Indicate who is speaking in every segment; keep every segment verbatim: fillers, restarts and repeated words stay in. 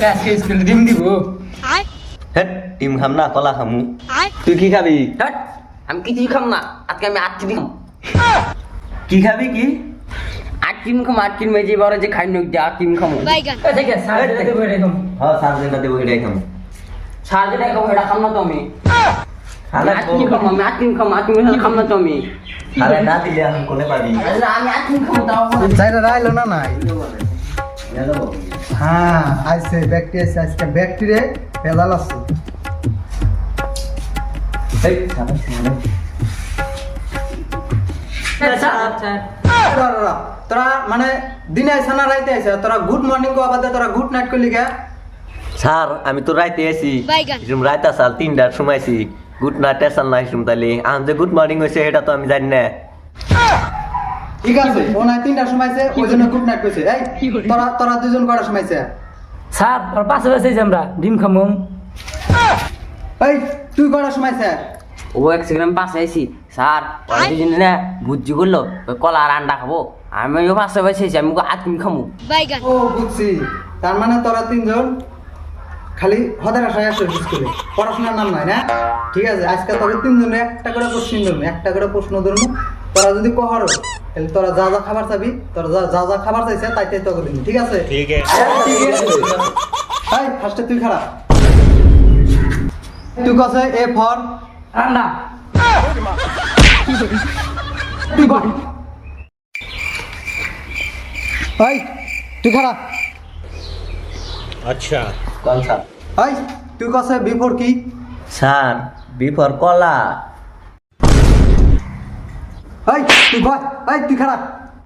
Speaker 1: আজকে স্কুলে ডিম দিব
Speaker 2: হেট ডিম খাম না কলা খামু তুই কি খাবি
Speaker 3: হ্যাট আমি কিছুই খাম না আজকে আমি আট দিন
Speaker 2: কি খাবি কি
Speaker 3: আট দিন খাম আট দিন মেজে বড় যে খাই নই আট দিন খামু
Speaker 1: দেখে স্যার দেবো এরকম
Speaker 2: হ্যাঁ সাত দিনটা দেবো এটাই খামু
Speaker 3: সার যেটা খাবো এটা খাম না তো আমি
Speaker 2: খালে
Speaker 3: আট দিন খাম আমি আট দিন খাম আট দিন খাম না তো আমি
Speaker 2: খালে না দিলে এখন কোনে পাবি
Speaker 3: আমি আট দিন খাম তাও
Speaker 4: চাইরা রাইলো না নাই হ্যাঁ আইছে ব্যক্তি আছে আজকে ব্যক্তিরে পেলাল আছে
Speaker 2: এই সাবাস
Speaker 4: তোরা তোরা মানে দিনে আইসা না রাইতে আইসা তোরা গুড মর্নিং কো আবার তোরা গুড নাইট করলি গা
Speaker 2: স্যার আমি তো রাইতে আছি এরকম রাইতে আসাল তিনটার সময় আছি গুড নাইট আসাল না এরকম তাহলে আম যে গুড মর্নিং হয়েছে এটা তো আমি জানি না
Speaker 4: ঠিক আছে ও নাই তিনটার সময় আছে ওই জন্য গুড নাইট কইছে এই তোরা তোরা দুজন করার সময় আছে
Speaker 1: স্যার ওর পাশে বসে আমরা ডিম খামু
Speaker 4: এই তুই করার সময় আছে
Speaker 3: ও এক সেকেন্ড পাশে আইছি স্যার ওই দুজনে না বুদ্ধি করলো ওই কলা আর আন্ডা খাবো আমি ওই পাশে বসেছি আমি আট দিন খামু
Speaker 4: ও বুঝছি তার মানে তোরা তিনজন খালি হদের আশায় আসো স্কুলে পড়াশোনার নাম নাই না ঠিক আছে আজকে তোরা তিনজনে একটা করে প্রশ্ন ধরবো একটা করে প্রশ্ন ধরবো তোরা যদি কহারো তাহলে তোরা যা যা খাবার চাবি তোরা যা যা যা খাবার চাইছে তাই তাই তোকে দিবি ঠিক আছে ঠিক আছে এই ফার্স্টে তুই খারাপ তুই কসে এ ফর
Speaker 1: রান্না
Speaker 4: তুই বল এই তুই খারাপ
Speaker 5: अच्छा
Speaker 2: কোন স্যার
Speaker 4: এই তুই কসে বিফোর কি
Speaker 2: স্যার বিফর কলা
Speaker 4: এই তুই বল এই তুই খারাপ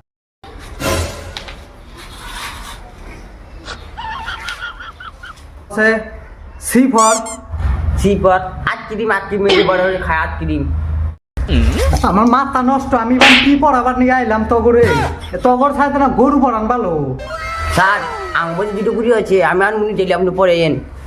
Speaker 4: সে সি ফর
Speaker 3: সিপর আট দিন আট দিন মেজে বড় খায় আট দিন
Speaker 4: আমার মাথা নষ্ট আমি এবার কি পড়াবার নিয়ে আইলাম তগরে তগর ছাড়তে না গরু পড়ান ভালো
Speaker 3: স্যার আমি বলছি দুটো কুড়ি আছে আমি আর মুনি চাইলে আপনি পরে এন